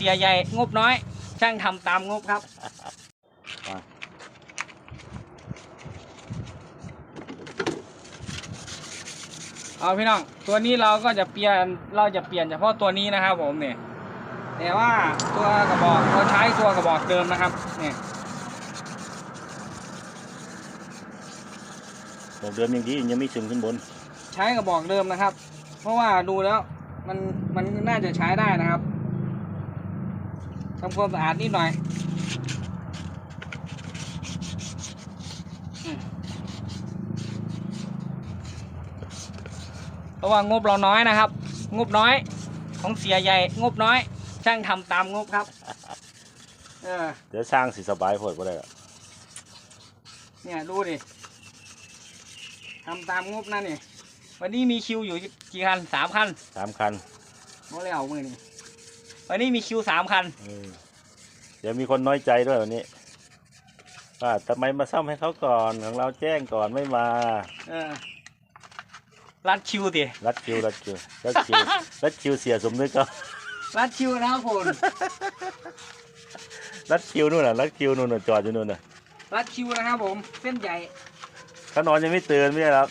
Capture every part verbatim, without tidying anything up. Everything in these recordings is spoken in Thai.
สียใหญ่งบน้อยช่างทำตามงบครับเอาพี่น้องตัวนี้เราก็จะเปลี่ยนเราจะเปลี่ยนเฉพาะตัวนี้นะครับผมเนี่ยแต่ว่าตัวกระบอกเราใช้ตัวกระบอกเดิมนะครับเนี่ยบอกเดิมอย่างนี้ยังไม่ซึมขึ้นบนใช้กระบอกเดิมนะครับเพราะว่าดูแล้วมันมันน่าจะใช้ได้นะครับทำความสะอาดนิดหน่อยเพราะว่างบเราน้อยนะครับงบน้อยของเสียใหญ่งบน้อยช่างทำตามงบครับเออเดี๋ยวสร้างสิสบายพอดก็ได้ละเนี่ยดูดิทำตามงบนั่นนี่วันนี้มีคิวอยู่กี่คันสามคันสามคันโมเลวมือนี่วันนี้มีคิวสามคันเดี๋ยวมีคนน้อยใจด้วยวันนี้ว่าทำไมมาซ่อมให้เขาก่อนของเราแจ้งก่อนไม่มาเออรัดคิวดิรัดคิวรัดคิวรัดคิวรัดคิวเสียสมนึกเขารัดคิวนะครับคุณรัดคิวนู่นน่ะรัดคิวนู่นน่ะจอดอยู่นู่นน่ะรัดคิวนะครับผมเส้นใหญ่เขานอนยังไม่ตื่นไม่ใช่หรอ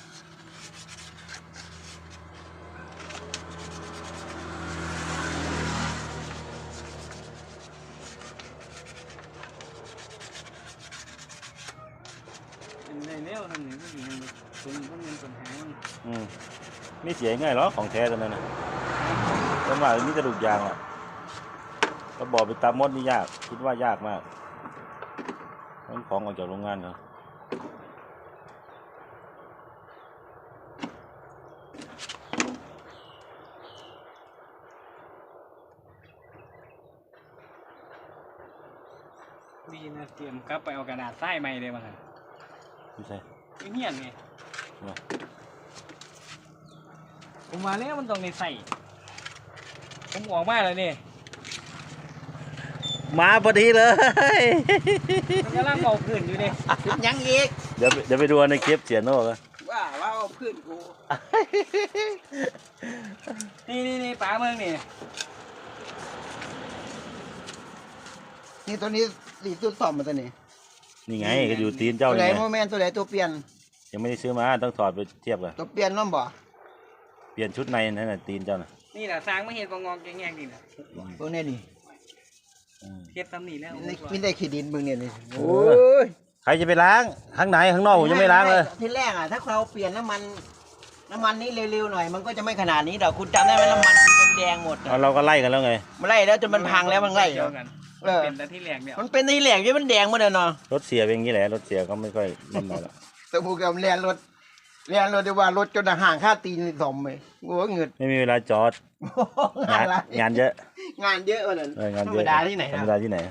อืมไม่เสียง่ายหรอของแท้ตัวนั้นนะแต่ว่านี่กระดูกยางอ่ะก็บอกไปตามมดนี่ยากคิดว่ายากมากต้องของออกจากโรงงานเขาดีนะเตรียมครับไปเอากระดาษใส่ใหม่เลยมั้งไม่ใช่ไม่เหี้ยนไงผมมาแล้วมันต้องในใส่ผมออกมาเลยนี่มาพอดีเลยมันกำลังเอาพื้นอยู่ดิยังอีกเดี๋ยวเดี๋ยวไปดูในคลิปเสียโน่กันว่าว่าเอาพื้นกูนี่นี่นี่ป๋าเมืองนี่นี่ตัวนี้สีตัวสอบมาตัวนี้นี่ไงก็อยู่ตีนเจ้าตัวไหนโมเมนต์ตัวไหนตัวเปลี่ยนยังไม่ได้ซื้อมาต้องถอดไปเทียบกันตัวเปลี่ยนน้องบ่เปลี่ยนชุดในนั่นน่ะตีนเจ้าน่ะนี่แหละสร้างไม่เห็นกองงองแง่ๆดินะตัวนี้นี่เทียบตำหนิแล้วไม่ได้ขีดินมึงเนี่ยนี่โอ้ยใครจะไปล้างข้างในข้างนอกผมยังไม่ล้างเลยที่แรกอ่ะถ้าเราเปลี่ยนน้ำมันน้ำมันนี้เร็วๆหน่อยมันก็จะไม่ขนาดนี้เดี๋ยวคุณจำได้ไหมน้ำมันมันแดงหมดเราก็ไล่กันแล้วไงมันไล่แล้วจนมันพังแล้วมันไล่กันเป็นแต่ที่แหลกเนี่ยมันเป็นที่แหลกที่มันแดงหมดเลยเนาะรถเสียเป็นอย่างนี้แหละรถเสียก็ไม่ค่อยเล่นหน่อยละแต่พวกเราเรียนรถเรียนรถเดี๋ยวว่ารถจนห่างค่าตีนสมเลยงัวเงินไม่มีเวลาจอดงานงานเยอะงานเยอะวันนั้นธรรมดาที่ไหนธรรมดาที่ไหน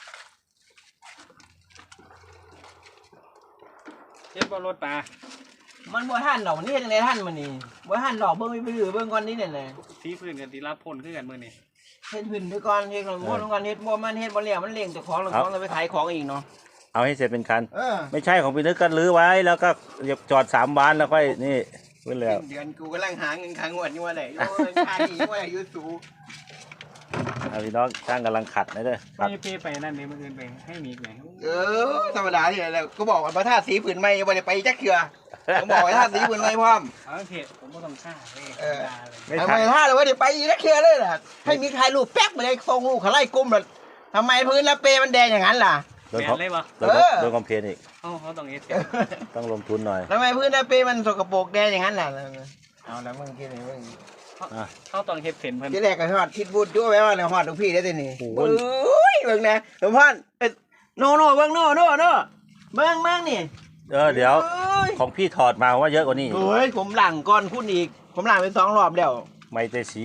เทียบรถปลามันบัวท่านดอกนี่ยังไงท่านมันนี่บัวท่านดอกเบิ้งไปถือเบิ้งก้อนนี้เนี่ยเลยที่พื้นกันที่รับพ่นขึ้นกันมือนี่เฮ็ดพื้นไปก่อนเฮ็ดของพ่นก่อนเฮ็ดบัวมันเฮ็ดบัวเหลี่ยมมันเลี้ยงตัวของเราของเราไปขายของอีกเนาะเอาให้เสร็จเป็นคันไม่ใช่ของพี่นึกกันรื้อไว้แล้วก็จอดสามวันแล้วค่อยนี่เพื่อแล้วเดือนกูกำลังหาเงินค้างงวดอยู่ว่าไหนโอ้ยชาดีว่าอยู่สูงเอาพี่น้องช่างกำลังขัดนะเด้อไม่เปไปนั่นนี่มันเกินไปให้มีไงเออธรรมดาที่ไหนแล้วก็บอกว่าพระธาตุสีผืนไม่ยังไม่ได้ไปจักเขือผมบอกว่าธาตุสีผืนไม่พร้อมเอาเถอะผมไม่ต้องฆ่าเลยทำไมท่าเลยว่าเดี๋ยวไปจักเขือเลยล่ะให้มีใครรูปแป๊กมาเลยทรงลูกเขาไล่กุ้มเลยทำไมพื้นละเปมันแดงอย่างนั้นล่ะโดนเขาโดนคอมเพลนอีกเขาต้องเอสต้องลงทุนหน่อยทำไมพื้นละเปมันสกปรกแดงอย่างนั้นล่ะเอาแล้วมึงคิดอะไรมึงเขาต้องเฮ็ดเส้นเพิ่นที่แรกก็ฮอดคิดบูดด้วยแม่ว่าเนี่ยฮอดทุกพี่ได้แต่นี่โอ้ยเบิ่งนะหลวงพ่อโน่โน่เบิ่งโน่โน่โน่เบิ่งเบิ่งนี่เออเดี๋ยวของพี่ถอดมาว่าเยอะกว่านี้โอ้ยผมหลังก่อนคุณอีกผมหลังไปสองรอบแล้วไม่เตสี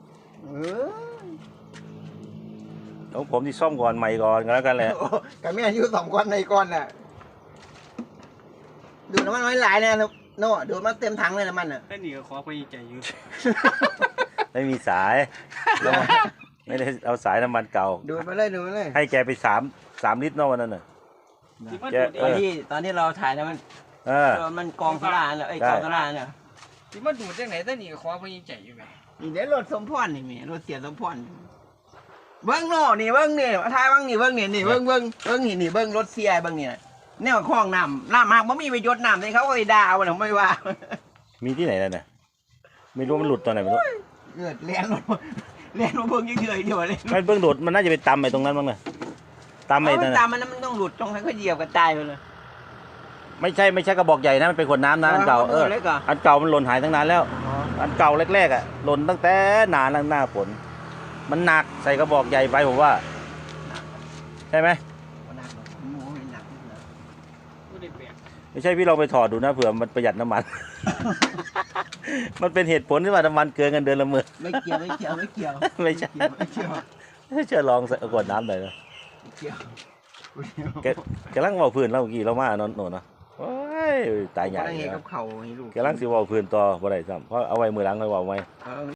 ของผมที่ซ่อมก่อนใหม่ก่อนก็แล้วกันแหละกับแม่อายุสองก้อนในก้อนน่ะดูน้ำมันน้อยหลายเนี่ยโน่ดูมันเต็มถังเลยน้ำมันอ่ะแค่นี้ก็ขอไปใจอยู่ไม่มีสายไม่ได้เอาสายน้ำมันเก่าดูมาเลยดูมาเลยให้แกไปสามสามลิตรนอกวันนั้นน่ะตอนที่ตอนที่เราถ่ายนะมันเออมันกองสลาเนี่ยไอ้กองสลาเนี่ยที่มันดูดจากไหนแต่นี่ก็ขอไปใจอยู่ไงนี่เดี๋ยวรถสมพรนี่มีรถเสียสมพรเบิ้งโน่นี่เบิ้งนี่มาทายเบิ้งนี่เบิ้งนี่นี่เบิ้งเบิ้งเบิ้งนี่นี่เบิ้งรถเสียเบิ้งนี่แนวคลองน้ำน้ำมากบ่มีไปยศน้ำเลยเขาก็ไปด่าวันผมไม่ว่ามีที่ไหนแล้วเนี่ยไม่รู้มันหลุดตอนไหนไม่รู้เกิดเลี้ยนรถเลี้ยนรถเบิ้งเฉยๆเดียวเลยมันเพิ่งหลุดมันน่าจะไปตำไปตรงนั้นบ้างเลยตำไปเอานั่นตามน่ะมันมันต้องหลุดตรงนั้นก็เหยียบกระจายไปเลยไม่ใช่ไม่ใช่กระบอกใหญ่นะมันเป็นขวดน้ำนะอันเก่าเออเล็กเหรออันเก่ามันหล่นหายตั้งนานแล้ว อันเก่าแรกๆอ่ะหล่นตั้งแต่นานแล้วหน้าฝนมันหนักใส่กระบอกใหญ่ไปผมว่าใช่ไหมหนักโอ้ยหนักไม่ได้เปลี่ยนไม่ใช่พี่ลองไปถอดดูนะเผื่อมันประหยัดน้ำมัน มันเป็นเหตุผลที่ว่าน้ำมันเกินกันเดือนละหมื่นไม่เกี่ยวไม่เกี่ยวไม่เกี่ยวไม่ใช่ไม่เกี่ยวเชื่อลองใส่ขวดน้ำหน่อยนะไม่เกี่ยวแกแกลังเว่าพื้นเราเมื่อกี้เรามาโนนโน่นเนาะโอ้ยตายใหญ่อะไรเลยกับเขาให้ลูกแกลังสิเว่าพื้นต่อบ่ได้ซ้ำเพราะเอาไว้มือหลังเลยเว่าไว้เออ